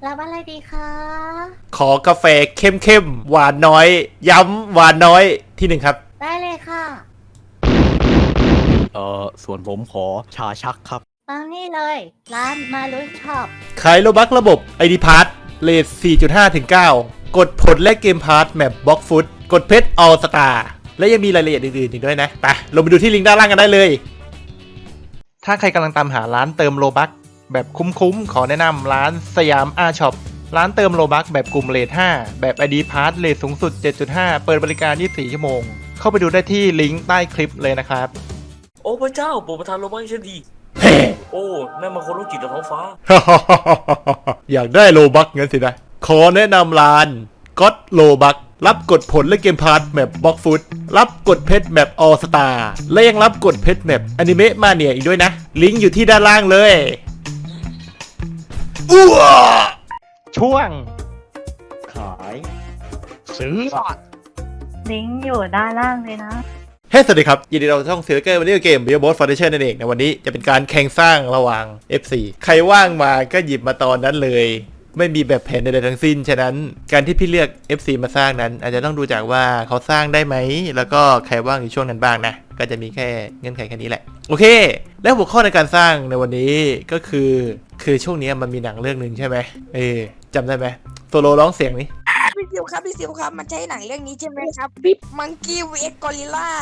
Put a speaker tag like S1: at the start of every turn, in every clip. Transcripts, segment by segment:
S1: รับอะไรดีคะ
S2: ขอกาแฟเข้มๆหวานน้อย ย้ำหวานน้อยที่หนึ่งครับ
S1: ได้เลยค่ะ
S3: ส่วนผมขอชาชักครับ
S1: ตามนี่เลย ร้านมาลุยช็อป
S2: ขายโลบักระบบ ID p a s s เลท 4.5 ถึง 9 กดผลและเกมพาร์ทแมปบล็อกฟุตกดเพชรออลสตาร์และยังมีรายละเอียดอื่นๆอีกด้วยนะ ไปลงไปดูที่ลิงก์ด้านล่างกันได้เลย ถ้าใครกำลังตามหาร้านเติมโลบักแบบคุ้มๆ ขอแนะนำร้านสยามอาช็อปร้านเติมโลบักแบบกลุ่มเลท 5 แบบ ID p a s s เลทสูงสุด 7.5 เปิดบริการ 24 ชั่วโมง เข้าไปดูได้ที่ลิงก์ใต้คลิปเลยนะครับ
S4: โอ้พระเจ้าโปรดประทานโลบักให้ฉันดีโอ้นั่นมันคนโรคจิตจากท้องฟ้า
S2: อยากได้โลบักงั้นสินะ ขอแนะนำร้านก็ตโลบักรับกดผลและเกมพาร์ทแมปบล็อกฟุตรับกดเพชรแมปออสตาและยังรับกดเพชรแมปอนิเมะมาเนียอีกด้วยนะ ลิงก์อยู่ที่ด้านล่างเลยอ้วช่วง
S3: ขายซื้อ
S1: ลิงก์อยู่ด้านล่างเลยนะ
S2: เฮ้ สวัสดีครับ ยินดีต้อนรับช่องเซอร์เกอร์วันนี้เกม Billboard Foundation นั่นเองในวันนี้จะเป็นการแข่งสร้างระหว่าง FC ใครว่างมาก็หยิบมาตอนนั้นเลย ไม่มีแบบแผนใดๆทั้งสิ้น ฉะนั้นการที่พี่เลือก FC มาสร้างนั้น อาจจะต้องดูจากว่าเขาสร้างได้ไหม แล้วก็ใครว่างในช่วงนั้นบ้างนะ ก็จะมีแค่เงื่อนไขแค่นี้แหละ โอเค แล้วหัวข้อในการสร้างในวันนี้ก็คือช่วงนี้มันมีหนังเรื่องหนึ่งใช่ไหมจำได้ไหมโซโลร้องเสียงนี้
S5: พี่ซิวครับมันใช่หนังเรื่องนี้ใช่ไหมครับปิ๊บมังกี้วีเอ็กกอริลล่า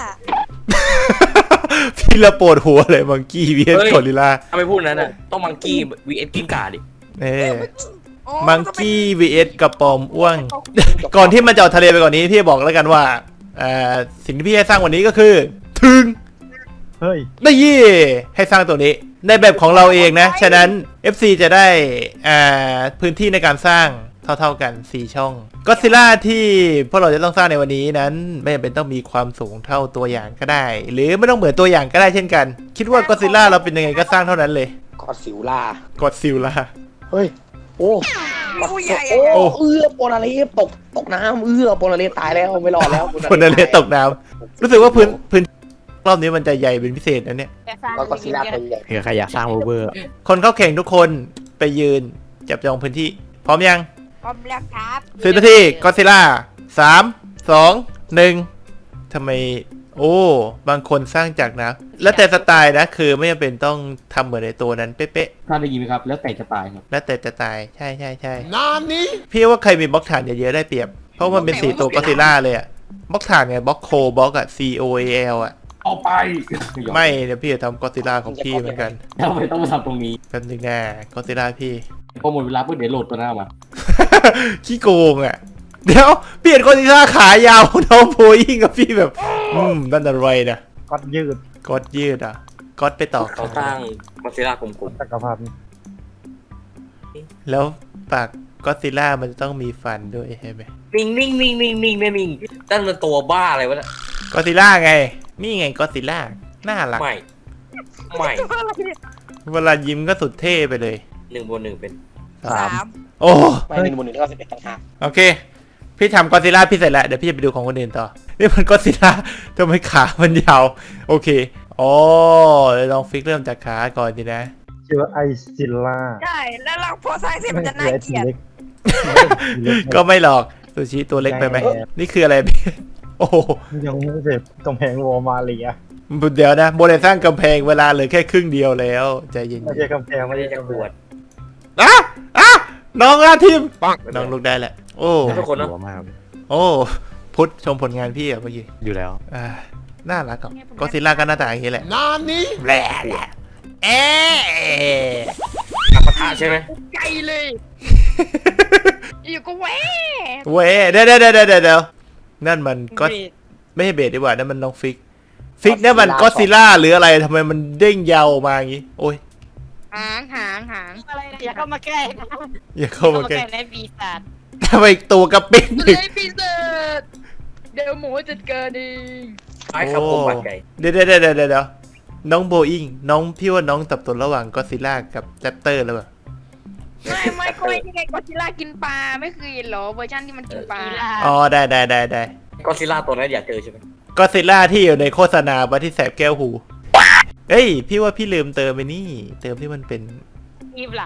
S2: พี่ละปวดหัวเลยมังกี้วีเอส
S4: เฮ้ย
S2: กอริลลา
S4: ถ้าไม่พูดนั้นน่ะต้องมังกี้ vs กิ้งก่าดิ
S2: มังกี้ vs กระปอมอ้วง ก่อนที่มันจะเอาทะเลไปก่อนนี้พี่บอกแล้วกันว่าสิ่งที่พี่ให้สร้างวันนี้ก็คือถึง
S3: เฮ้ย
S2: ได้ยี่ให้สร้างตัวนี้ในแบบของเราเองนะ ฉะนั้น FC จะได้พื้นที่ในการสร้างเท่าๆกัน 4 ช่องก็ซิล่าที่พวกเราจะต้องสร้างในวันนี้นั้นไม่จำเป็นต้องมีความสูงเท่าตัวอย่างก็ได้ หรือไม่ต้องเหมือนตัวอย่างก็ได้เช่นกัน คิดว่าก็ซิล่าเราเป็นยังไงก็สร้างเท่านั้นเลย
S6: กอดสิวล่า
S2: ก็ซิล่า
S6: เฮ้ย โอ้
S5: ผู้ใหญ่
S6: โอ้โปนาเลสตกน้ำโปนาเลสตายแล้วไม่รอดแล้ว
S2: คนนั้นเลยตกน้ำรู้สึกว่าพื้นรอบนี้มันจะใหญ่เป็นพิเศษนะเนี่ย
S6: แล้วก็ซิล่าตัวใหญ่
S3: เผื่อใครอยากสร้างเวอร์
S2: คนเข้าแข่งทุกคนไปยืนจับจองพื้นที่พร้อมยัง
S5: พร้อมแล้วครับ
S2: 10 นาทีก็ซิล่า3 2 1ทำไมโอ้บางคนสร้างจากนะแล้วแต่สไตล์นะคือไม่จำเป็นต้องทำเหมือนในตัวนั้นเป๊ะ
S7: ถ้าได้ยินไหมครับ แล้วแต่จะตายครับ
S2: ๆแล้วแต่สไตล์ใช่นานนี้พี่ว่าใครมีบล็อกฐานเยอะๆได้เปรียบเพราะมันเป็น4ตัวก็ซิล่าเลยอะบล็อกฐานไงบล็อกโคบล็อกอะ COAL อะ
S7: เอาไป
S2: ไม่เดี๋ยวพี่จะทำก็ซิล่าของพี่เหมือนกัน
S7: ทำไมต้องมาทำตรงนี้
S2: แป๊บนึงนะก็ซิล่าพี่
S7: พอหมดเวลาปุ๊บเดี๋ยวโหลดตัวหน้ามา
S2: ขี้โกงอ่ะเดี๋ยวเปลี่ยนคนที่ท่าขายาวน้องโพยิ่งกับพี่แบบนั่นอะไรนะ
S3: ก็ยืด
S2: ก๊อตยืดอ่ะก๊อตไปต่อ
S4: เขาสร้างมาซิล่ากลม
S3: จักรพรรดิ
S2: แล้วปากก็อดซิลล่ามันจะต้องมีฟันด้วยใช่ไหม
S4: ๆนิ่งนั่นมันตัวบ้าอะไรวะน่ะ
S2: ก็อดซิลล่าไงนี่ไงก็อดซิลล่าน่ารัก
S4: ไม่
S2: เวลายิ้มก็สุดเท่ไปเลย
S4: 1 บวก 1เป็น
S5: 3
S2: โอ้
S6: ไม่หนึ่งบนหนึ่งเท่า11ต่างหาก
S2: โอเคพี่ทำก็อดซิลล่าพี่เสร็จแล้วเดี๋ยวพี่จะไปดูของคนอื่นต่อนี่มันก็อดซิลล่าทำไมขามันยาวโอเคอ๋อลองฟิกเริ่มจากขาก่อนดีนะ
S3: ชื่อว่าไอซิลล่า
S5: ใช่แล้วเราพอสร้างเสร็จมันจะน่าเกลียด
S2: ก็ไม่หรอกซูชิตัวเล็กไปไหมนี่คืออะไรพี่โอ้โห
S3: ยังไม่เสร็จกำแพงโรมาเลีย
S2: เดี๋ยวนะโมเดลสร้างกำแพงเวลาเหลือแค่ครึ่งเดียวแล้วใจเย็น
S3: ไม่ใช่กำแพงไม่
S4: ไม่
S3: ใช่
S4: ได้จะ
S3: กำ
S4: ป
S3: แพ
S4: ว
S3: ง
S4: ด
S2: ๆน้องอาทีมน้องลุกได้แหละโอ้
S4: ทุกคนนะ
S3: หัวมากเลย
S2: โอ้พุทธชมผลงานพี่อะเมื่อกี้
S3: อยู่แล้ว
S2: น่ารักอ่ะก็ซิลล่าก็หน้าตาอย่างนี้แหละนานนี้แหละเอ๊ะ
S4: ปะทะใช่ไหม
S5: ไกลเลย อยู่ก็แหว
S2: เว้ยเดี๋ยวนั่นมันก็ไม่ใช่เบสดีกว่านั่นมันน้องฟิกเนี่ยมันก็ซิลล่าหรืออะไรทำไมมันเด้งยาวออกมาอย่างนี้โอ้ย
S5: หาง
S1: อะไรนะอย่าเข้ามาใกล้
S2: อย่าเข้ามาใกล้
S1: ในปีศาจ
S2: ทำไมตัวกระปิ้ง
S5: เลยพี่เสิร์ตเดี๋ยวหมูจัดการเอง
S4: ไอ้ครับผมบัดใหญ่
S2: เดี๋ยวน้องโบอิงน้องพี่ว่าน้องสับสนระหว่างก็ซิลล่ากับแรปเตอร์แล้วป่ะ
S5: ไม่ก็ยังไงก็ซิล่ากินปลาไม่เคยเห็นเหรอเวอร์ชันที่มันกินปลา
S2: อ๋อได้
S4: ก็ซิล่าตัวนั้นอยากเจอใช่ไหม
S2: ก็ซิลล่าที่อยู่ในโฆษณาว่าที่แสบแก้วหูเฮ้ยพี่ว่าพี่ลืมเติมไปนี่เติมที่มันเป็น
S1: ทีมหลัง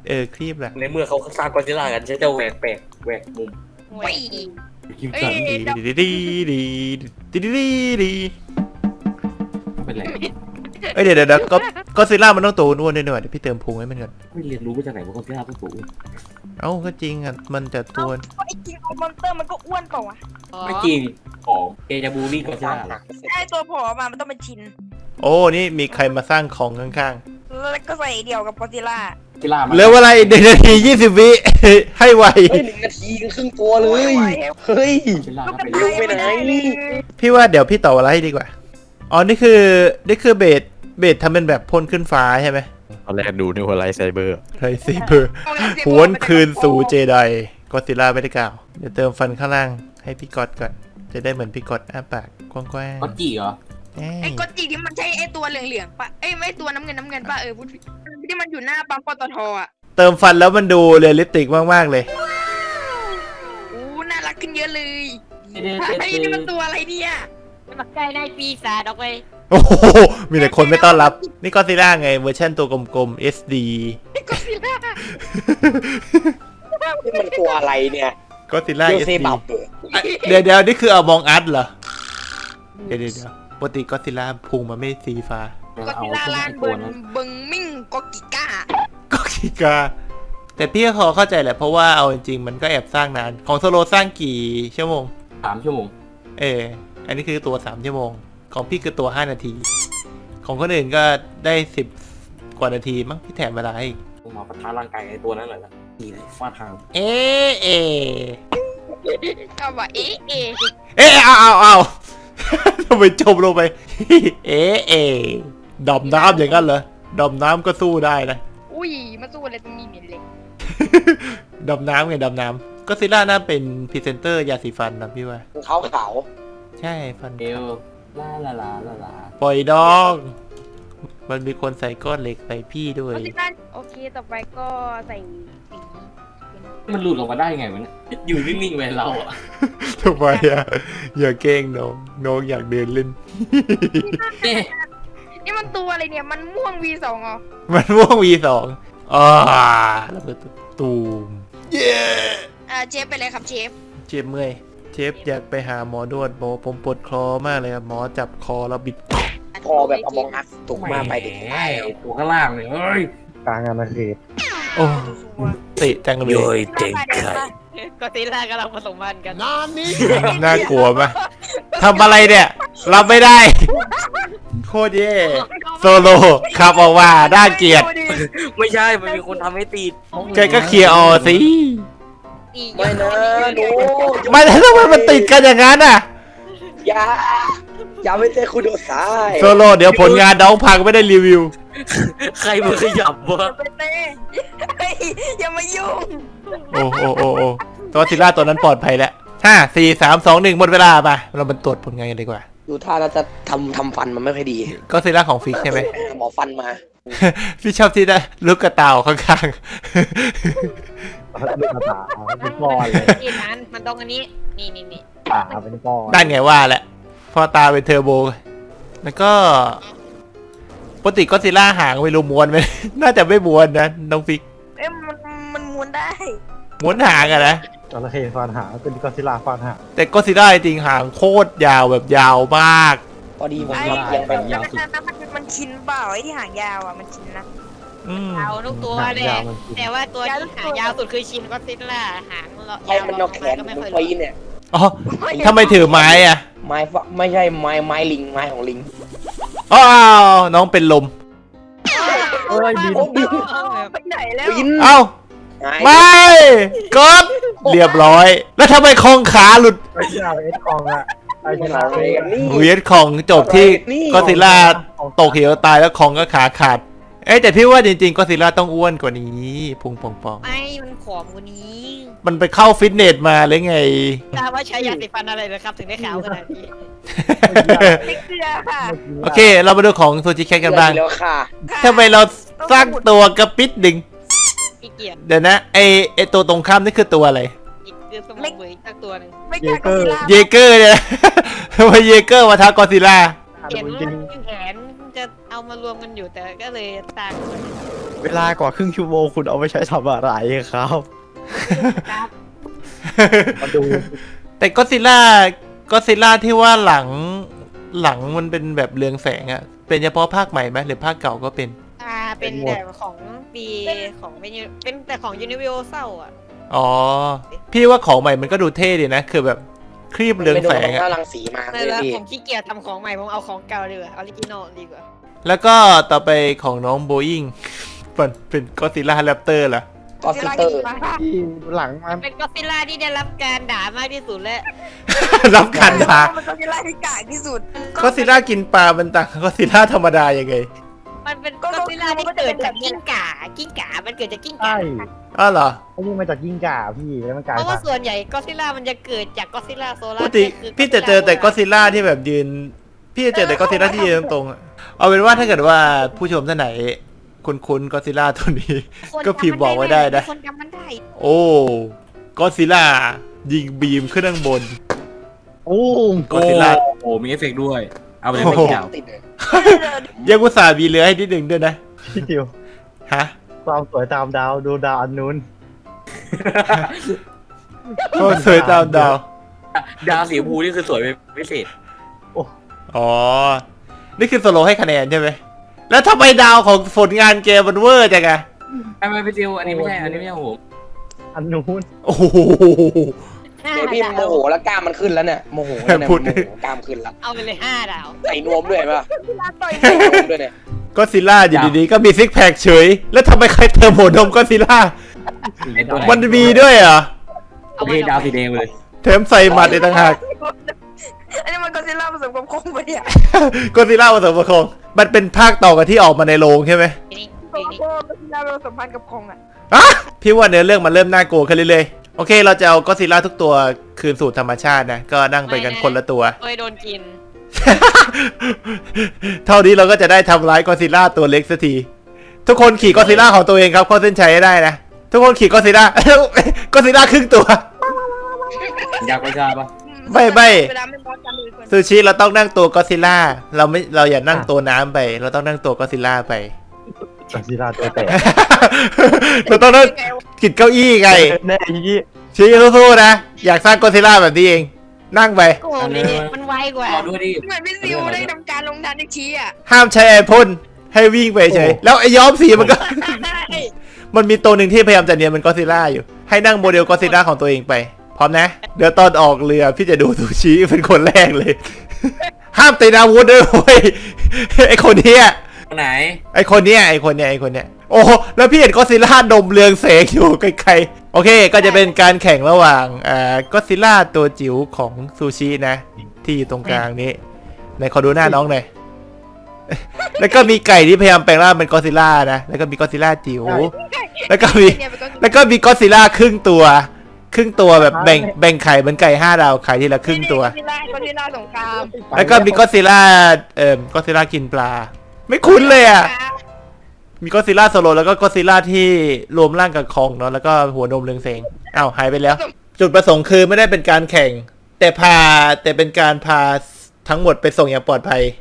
S2: ครีบแหละ
S4: ในเมื่อเขาสร้างกอซิลล่ากันใช้เจ้าแหวกแปลกแหวกมุม
S5: โอ้ย
S7: คิม
S5: เอ้
S7: สัน
S5: ย
S2: ดีดีดีดีดีดีดี
S7: เป็นไร
S2: เดี๋ยวก็ซิล่ามันต้องตัวอ้วนๆด้วยเดี๋ยวพี่เติมพุงให้มันก่อน
S7: ไม่เรียนรู้มาจากไหนว่าคอสซิลล่าต้องสูง
S2: เอ้าก็จริงอ่ะมันจะตัว
S5: ไอ้จริงมอนเตอร์มันก็อ้วนเปล่าวะ
S7: ไม่จริงของเอจาบูรี่คอสซิลล่าเหรอ
S5: ไอ้ตัวผอมามันต้องเป็นชิ้น
S2: โอ้นี่มีใครมาสร้างของข้าง
S5: แล้วก็ใส่เดี่ยวกับกอซิล่า
S7: ซิลล่า
S2: ๆเหลือเวลาอีก1 นาที 20 วิ ให้ไว
S6: เฮ้ย1 นาทีครึ่งตัวเลย เฮ้ย
S7: ซิลล่าก็เป็น
S6: เร็วไปไหน
S2: พี่ว่าเดี๋ยวพี่ต่อเวลาให้ดีกว่าอ๋อนี่คือเบสทำเป็นแบบพ่นขึ้นฟ้าใช่ไหม
S8: ตอนแรกดูนึกว่าไลท์ไซเบอร์
S2: ไรเซเบอร์หวนคืนสู่เจไดก็ซิล่าไม่ได้กล่าวเดี๋ยวเติมฟันข้างล่างให้พี่ก๊อตก่อนจะได้เหมือนพี่ก๊อตอ้าปากกว้าง
S7: ก็จีเหรอ
S2: ๆเอ้
S5: ไอ้
S2: ย
S5: กอจิที่มันใช่ไอ้ตัวเหลืองๆปะไอ้ไม่ตัวน้ำเงินปะพูดผิดที่มันอยู่หน้าปั๊มปตทอ่ะ
S2: เติมฟันแล้วมันดูเรียลลิสติกมากๆเลย
S5: อู้น่ารักขึ้นเยอะเลย
S7: เด็ด
S5: ไอ้นี่มันตัวอะไรเนี่ย
S1: มาใกล้ได้ปีศาจออกไป
S2: โอ้โหมีแต่คนไม่ต้อนรับ นี่ก็ซิล่าไงเวอร์ชันตัวกลมๆ SD
S5: ไอ้กอซิล่า
S6: นี่มันตัวอะไรเนี่ย
S2: ก็ซิล่า
S6: โยเซ
S2: SD
S6: บับ
S2: เดี๋ยวนี่คือเอามองอัดเหรอเดี๋ยวปกติก็ซิล่าพุงมันไม่สีฟ้า
S5: กอซิล่าลานเบิงมิ่งกอกิก้า
S2: ก็คิกาแต่พี่ก็พอเข้าใจแหละเพราะว่าเอาจริงๆมันก็แอบสร้างนานของโซโลสร้างกี่ชั่วโมง
S7: 3 ชั่วโมง
S2: อันนี้คือตัว3ชั่วโมงของพี่คือตัว5 นาที ของคนอื่นก็ได้10 กว่านาทีมั้งพี่แถมเวลาให้อีก
S4: ผมมาปะทะร่างกายไอ้ตัวนั้นเลยนะ
S7: จีเลยฟาดทาง
S2: เอ
S5: ก็บอกเอ๊ะ
S2: เอาทำไมจมลงไป ดำน้ำอย่างนั้นเหรอดำน้ำก็สู้ได้นะ
S5: อุ้ยมาสู้อะไรตรงนี้เนี่ยเลย
S2: ดำน้ำไงดำน้ำก็ซิล่าน่าเป็นพรีเซนเตอร์ยาสีฟันนะพี่ว่า
S6: ขาวขาว
S2: ใช่ฟัน
S7: เอลลาลาลาลาลา
S2: ปล่อยดอง มันมีคนใส่ก้อนเหล็กใส่พี่ด้วย
S5: โอเคต่อไปก็ใส่สี
S7: มันหลุดออกมาได้ไงวะเนี่ยอยู่นิ่งๆไว้เราอะ
S2: ทำไมอะอย่าเก้งน้องอยากเดินเล่น
S7: เนี่ย
S5: นี่มันตัวอะไรเนี่ยมันม่วง V2 อ๋อ
S2: มันม่วง V2 แล้วก็ตูมเย้
S5: เชฟไปเลยครับเชฟ
S2: เจ็บเมื่อยเชฟอยากไปหาหมอนวดหมอผมปวดคอมากเลยครับหมอจับคอแล้วบิด
S6: พอแบบเอามองอัดตกมาไปเด็ก
S7: แหมตัวข้างล่างเลยเฮ้ย
S3: กลางอาณาเขต
S2: โอ้เตะจังเลย
S4: โยยเต็งไข่
S1: ก็ซิล่ากำลังผสมพันธุ์กัน
S2: น่ากลัวไหมทำอะไรเนี่ยรับไม่ได้ โคตรเย่โซโลขับออกมาน่าเกลียด
S4: ไม่ใช่มันมีคนทำให้ติด
S2: แกก็เคลียร์ออสิ
S6: ไม่นะหนู
S2: ไม่แล้วทำไมมันติดกันอย่างนั้นอ่ะ
S6: อย่าไม่เจอคุณโดดสาย
S2: โซโลเดี๋ยวผลงานน้องพังไม่ได้รีวิว
S4: ใครมาขยับวะ
S5: ไปเต้อย่ามายุ่ง
S2: โอ้ตัวซิล่าตัวนั้นปลอดภัยแล้ว5 4 3 2 1หมดเวลาป่ะเรามาตรวจผลงานกันดีกว่า
S6: ดูท่าน่าจะทำฟันมันไม่ค่อยดี
S2: ก็ซิล่าของฟิกใช่ไหม
S6: หมอฟันมา
S2: พี่ชอบที่ได้ลูกกระต่ายข้าง
S3: ลูกกระตาเป็นก้อนเลย
S1: ที่นั้นมันตรงอันนี้ นี่
S3: ตาเป็นก้อน
S2: ๆนั่นไงว่าแหละพอตาเป็นเทอร์โบแล้วก็ปกติก็ซิล่าหางไม่รู้ม้วนไหม น่าจะไม่ม้วนนะน้องฟิก
S5: มันม้วนได้
S2: ม้วนหางอะนะ
S3: จระเข้ฟาดหางเป็นก็อดซิลล่าฟาดหาง
S2: แต่ก็ซิล่าจริงหางโคตรยาวแบบยาวมาก
S6: พอดีผม
S5: ไอ้
S6: ยังเป็น
S5: มันชินเปล่าไอ้ที่หางยาวอ่ะมันชินนะ
S2: อืม
S1: ยาวทุกตัวเลยแต่ว่าตัวที่หางยาวสุดคือชินก็ซิล่าหาง
S6: ใช้มันนอกแขน
S1: ก็ไม่
S6: มัน
S1: ค่อย
S6: ปีนเนี่ย
S2: อ๋อทำไมถือไม้อะ
S6: ไม้ไม่ใช่ไม้ลิงไม้ของลิง
S2: อ้าวน้องเป็นลม
S3: เอ้ยบิน
S6: โอ้บิน
S5: ไปไหนแล้ว
S6: บิน
S2: เอ้า
S6: หาย
S2: ไม่กดเรียบร้อย แล้วทำไมคองขาหลุด
S3: ไอ้เจ้าเอ็ดคองอะไอ้
S6: มัน
S3: ชนะ
S6: อะไรกันนี่
S2: เวียดของจบที่ก็ซิล่าตกเหวตายแล้วคองก็ขาขาด เอ้ยแต่พี่ว่าจริงๆก็ซิล่าต้องอ้วนกว่านี้พุงป่อง
S1: ไม่มันขอมกว่านี้
S2: ๆมันไปเข้าฟิตเนสมาเลยไง
S1: ทราบว่าใช้ยาสีฟันอะไรนะครับถึงได้ขาวขนาดนี้
S5: ไม่เกลือค่ะ
S2: โอเค เรามาดูของซูชิแคทกันบ้าง
S6: แล้วค่ะ
S2: ทำไมเราสร้างตัวกระปิดดึง
S1: ขี้เกียจ
S2: เดี๋ยวนะไอตัวตรงข้ามนี่คือตัวอะไร
S1: อีกคือสมองเบยสักตัวหนึ่ง
S5: ไม่เกลือก็ซิล่า
S2: เยเกอร์เนี่ย ทำไมเยเกอร์มาท้ากอซิล่า
S1: เห็น
S3: จริง
S1: แขนจะเอามารวมกันอยู่แต่ก็เลยสร้างเลย
S8: เวลากว่าครึ่งชั่วโมงคุณเอาไปใช้ทำอะไรครับ
S1: ครับ
S3: มาดู
S2: แต่ก็ซิล่าที่ว่าหลังมันเป็นแบบเรืองแสงอะเป็นเฉพาะภาคใหม่ไหมหรือภาคเก่าก็เป็น
S1: เป็นแต่ของปีของเป็นแต่ของ Universal อ่ะ
S2: อ๋อ พี่ว่าของใหม่มันก็ดูเท่ดีนะ คือแบบครีบเรืองแสง
S6: ไม่โดน
S2: อะ
S6: รังสีมา
S1: ใน
S6: เลย
S1: แล้ว
S6: พี่
S1: ผมขี้เกียจทำของใหม่ผมเอาของเก่าดีกว่าออริจินอลดีกว่า
S2: แล้วก็ต่อไปของน้องโบอิงมันเป็นก็ซิล่าแรปเตอร์เหรอ
S6: ก็ฟิลเตอร์
S3: ที่หลังมัน
S1: เป็นก็ซิล่าที่ได้รับการด่ามากที่สุดและ
S2: รับการด่า
S5: มันก็จะไล่ที่กากที่สุด
S2: ก็ซิล่ากินปลามันต่างกับก็ซิล่าธรรมดายังไง
S1: มันเป็นก็ซิล่าที่เกิดจากกิ้งก่ามันเกิดจากกิ้งก่า
S3: ใช่
S2: อ้าวเหรอ
S3: ไอ้นี่มาจากยิ่งก่าพี่แล้วมันกลาย
S1: เพราะว่า
S3: พันธุ์
S1: ส่วนใหญ่ก็ซิล่ามันจะเกิดจากก็ซิล่าโซ
S2: ป
S1: ลาก ร์
S2: ติพี่จะเจอแต่ก็ซิล่าที่แบบยืน พี่จะเจอแต่ก็ซิล่าที่ยืนตรงๆอะเอาเป็นว่าถ้าเกิดว่าผู้ชมท่านไหนคุ้นก็ซิล่าตัวนี้ ก็พิมพ์บอกไว้ได้นะ
S1: คนจำมันได้
S2: โอ้ก็ซิล่ายิงบีมขึ้นข้างบน
S3: โอ้ม
S2: ก็ซิล่า
S7: โอ้มีเอฟเฟกต์ด้วย เอาไปเลย
S2: โอ้
S7: ไม่
S2: โห
S7: เกี่ยว
S6: ติดเลย
S2: ยังอุตส่าห์มีเรือให้นิดหนึ่งด้วยนะ
S3: พี่ทิว
S2: ฮะ
S3: ความสวยตามดาวดูดาวอันนู้น
S2: ก็สวยตามดาว
S7: ดาวสีชมพูนี่คือสวยเป็นพิเศษ
S2: อ๋อ นี่คือสโลให้คะแนนใช่ไหม แล้วทำไมดาวของผลงานเกมมันเวอร์จังอะ
S7: ไม่พี่จิวอันนี้ไม่ใช่อันนี้ไม่ใช่ผม
S3: อันนู้น
S2: โอ้โห
S6: เดี๋ยวพี่โมโหแล้วกล้ามมันขึ้นแล้วเนี่ยโมโหแล้วเนี่ย
S2: พูด
S6: โมโหกล้ามขึ้นแล้ว
S1: เอาไปเลย5 ดาว
S6: ใส่นวมด้วยเห็นป่ะ
S5: ต่อย
S6: ใส่นวมด้วยเนี่ย
S2: ก็ซิล่าอยู่ดีๆก็มีซิกแพคเฉย แล้วทำไมใครเติมหัวนมก็ซิล่า
S7: ไอ้ตัวไหน
S2: มันมีด้วยเหรอ
S1: เอาไป
S7: นี่ดาวสีแดงเลย
S2: เทมใส่หมัดในต่างหาก
S5: อันนี้มันก็ซิล่าผสมกับคงไปอ่ะ
S2: ก็ซิล่าผสมกับคงมันเป็นภาคต่อกันที่ออกมาในโรงใช่ไหม
S1: นี่
S5: โกโก้ก็ซิล่าผสมพันธ์กับคงอ่ะ
S2: อะพี่ว่าเนื้อเรื่องมันเริ่มน่ากลัวขึ้นเรื่อยๆ โอเค เราจะเอาก็ซิล่าทุกตัวคืนสู่ธรรมชาตินะ ก็นั่งไปกันคนละตัว
S1: เคยโดนกิน
S2: เท่านี้เราก็จะได้ทำร้ายก็ซิล่าตัวเล็กสักที ทุกคนขี่ก็ซิล่าของตัวเองครับเข้าเส้นชัยให้ได้นะ ทุกคนขี่ก็ซิล่า ก็ซิล่าครึ่งตัว
S7: อยากไปจ้าปะ
S2: ไม่
S5: เวลาไม่พอจำเลยคน
S2: ซูชิเราต้องนั่งตัวก็ซิล่า เราอย่านั่งตัวน้ำไป เราต้องนั่งตัวก็ซิล่าไป
S3: กอซิล่าตัวแตก
S2: เราต้องนั่งกินเก้าอี้ไง
S3: แน่ยี่
S2: ชี้สู้ๆนะ อยากสร้างก็ซิล่าแบบนี้เอง นั่งไป
S1: โกงนี่มันไวกว่า
S7: รอด้วยดิ
S5: เหมือนพี่ซิวได้ทำการลงทันอีกทีอ่ะ
S2: ห้ามใช้ไอพ่นให้วิ่งไปเฉย แล้วไอย้อมสีมันก็ มันมีตัวหนึ่งที่พยายามจะเนียนเป็นก็ซิล่าอยู่ ให้นั่งโมเดลก็ซิล่าของตัวเองไป พร้อมนะ เดี๋ยวตอนออกเรือพี่จะดูซูชิเป็นคนแรกเลย ห้ามตีอาวุธด้วยเว้ย ไอคนเนี้ย
S7: ไหน
S2: ไอคนเนี้ยโอ้โหแล้วพี่เห็นก็ซิล่าดมเรืองแสงอยู่ไกลๆโอเค ก็จะเป็นการแข่งระหว่างก็ซิล่าตัวจิ๋วของซูชินะ ที่อยู่ตรงกลางนี้ไหนขอดูหน้าน้องหน่อย แล้วก็มีไก่ที่พยายามแปลงร่างเป็นก็ซิล่านะ แล้วก็มีก็ซิล่าจิ๋ว แล้วก็มีก็ซิล่าครึ่งตัวแบบแบ่งไข่เหมือนไก่5 ดาวไข่ทีละครึ่งตัว
S5: ก็ซิล่าสงคราม
S2: แล้วก็มีก็ซิล่าก็ซิล่ากินปลา ไม่คุ้นเลยอ่ะ มีก็ซิล่าโซโลแล้วก็ก็ซิล่าที่รวมร่างกับคองเนาะแล้วก็หัวนมเรืองแสงอ้าวหายไปแล้ว จุดประสงค์คือไม่ได้เป็นการแข่ง แต่เป็นการพาทั้งหมดไปส่งอย่างปลอดภัย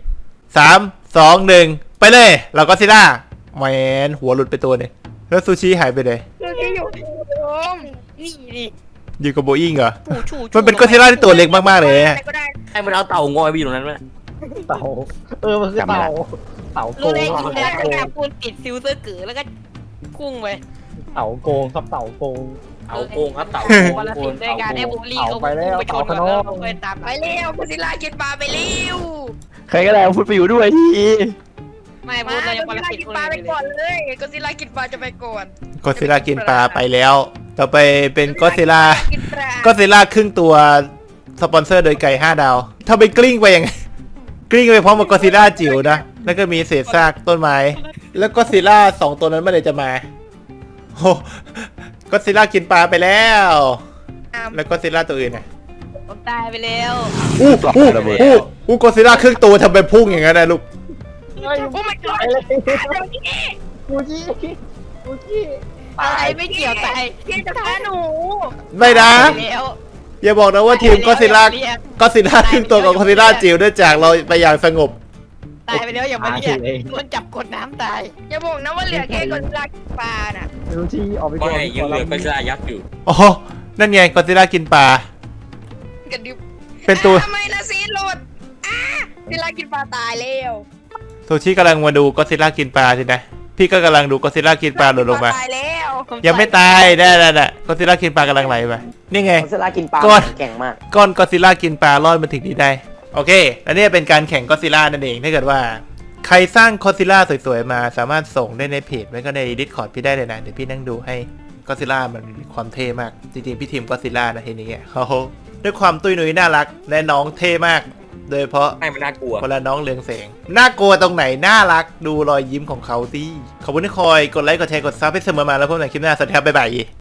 S2: 3 2 1ไปเลยเราก็ซิล่าแมนหัวหลุดไปตัวนึงแล้วซูชิหายไปเลย
S5: คือที่อยู่โอม
S1: นี่ดิ
S2: อยู่กับโบอิงเหรอ
S1: ชู
S2: มันเป็นก็ซิล่าที่ตัวเล็กมากๆเลยอะ
S5: ก็ได้
S7: ให้มันเอาเต่างอยไปอยู่ตรงนั้นไหม
S3: เต่ามันคือเต่าโก
S1: รู้
S3: ง
S1: ได้
S3: ครับ
S1: ยินแล้วก็พูดติดซิลเซอร์เก๋อแล้วก็พุ่งไป
S3: เต่าโกงครับเต่าโกง
S7: เต่าโกงครับเต่า
S1: วันละ
S7: โก
S1: สิ
S7: ง
S1: บด้วยการให้บุรีเขา
S3: เอาไปแล้ว
S1: ไปชนก่อน
S3: เอา
S1: แล้ว
S3: ขนม
S1: ไปตาม
S5: ไปเร็วก็ซิล่ากินปลาไปเร็ว
S8: ใครก็ได้เอาพูดไปอยู่ด้วยที
S1: ไม่
S5: มา
S1: พูดเรายัง
S5: ก็
S1: วัน
S5: ซิ
S1: ละ
S5: ล่า
S1: สิบ
S5: กิน
S1: คน
S5: ปลาไป
S1: เลย
S5: ก่อนเลยก็ซิล่ากินปลาจะไปก่อน
S2: ก็ซิล่ากินปลาไปแล้ว ต่อไปเป็นก็ซิล่า
S5: กินปลา
S2: ก็ซิล่าครึ่งตัวสปอนเซอร์โดยไก่5 ดาวถ้าไปกลิ้งไปยังไง กลิ้งไปพร้อมกับก็ซิล่าจิ๋วนะ แล้วก็มีเศษซากต้นไม้ แล้วก็ซิล่า2 ตัวนั้นเมื่อไหร่จะมาโอ้ก็ซิล่ากินปลาไปแล้ว แล้วก็ซิล่าตัวอื่นนะ
S1: ผมตายไปแล้ว
S2: อู้ก็ซิล่าครึ่งตัวทำเป็นพุ่งอย่างนั้นนะลูก
S5: โอ้ my god
S3: กูจี้กูจี้
S1: อะไรไม่เกี่ยวตาย
S5: พี่จะฆ่าหนู
S2: ไม่นะ
S1: ตายไปแล้ว
S2: อย่าบอกนะว่าทีมก็ซิล่าครึ่งตัวกับก็ซิล่าจิ๋วได้จากเราไปอย่างสงบ
S1: ตตายไปแล้วอย่างมันเนี่ยโดนจับกดน้ำตาย
S5: อย่าบอกนะว่าเหลือแค่คนรักปลาน่ะ
S3: ดูที่ออกไปก่อน
S4: ไม่ยังเหลือก็จะยักษ์อยู่
S2: อ๋อนั่นไงกอซิลล่ากินปลา
S5: กระดิบ
S2: เป็นตัว
S5: ทำไมนะซีโหลดเวลากินปลาตายแล้ว
S2: โซชิกำลังมาดูกอซิลล่ากินปลาสินะพี่ก็กำลังดูกอซิลล่ากินปลาหล่นลงมา
S5: ตายแล้ว
S2: ยังไม่ตายได้กอซิลล่ากินปลากำลังไหลไปนี่ไง
S6: กอซิลล่ากินปลา
S2: ก้อน
S6: แข็งมาก
S2: ก้อนกอซิลล่ากินปลารอดมาถึงนี้ได้โอเคและนี่เป็นการแข่งกอซิลล่านั่นเองถ้าเกิดว่าใครสร้างกอซิลล่าสวยๆมาสามารถส่งได้ในเพจไว้ก็ใน Discord พี่ได้เลยนะเดี๋ยวพี่นั่งดูให้กอซิลล่ามันมีความเท่มากจริงๆพี่ทีมกอซิลล่านะทีนี้เขาด้วยความตุ้ยนุ้ยน่ารักและน้องเท่มากโดยเฉพาะ
S4: ไม่มันน่ากลัว
S2: เวลาน้องเรืองแสงน่ากลัวตรงไหนน่ารักดูรอยยิ้มของเขาสิขอบคุณที่คอยกดไลค์กดแชร์กดซับให้เสมอมาแล้วพบกันในคลิปหน้าสวัสดีครับบ๊ายบาย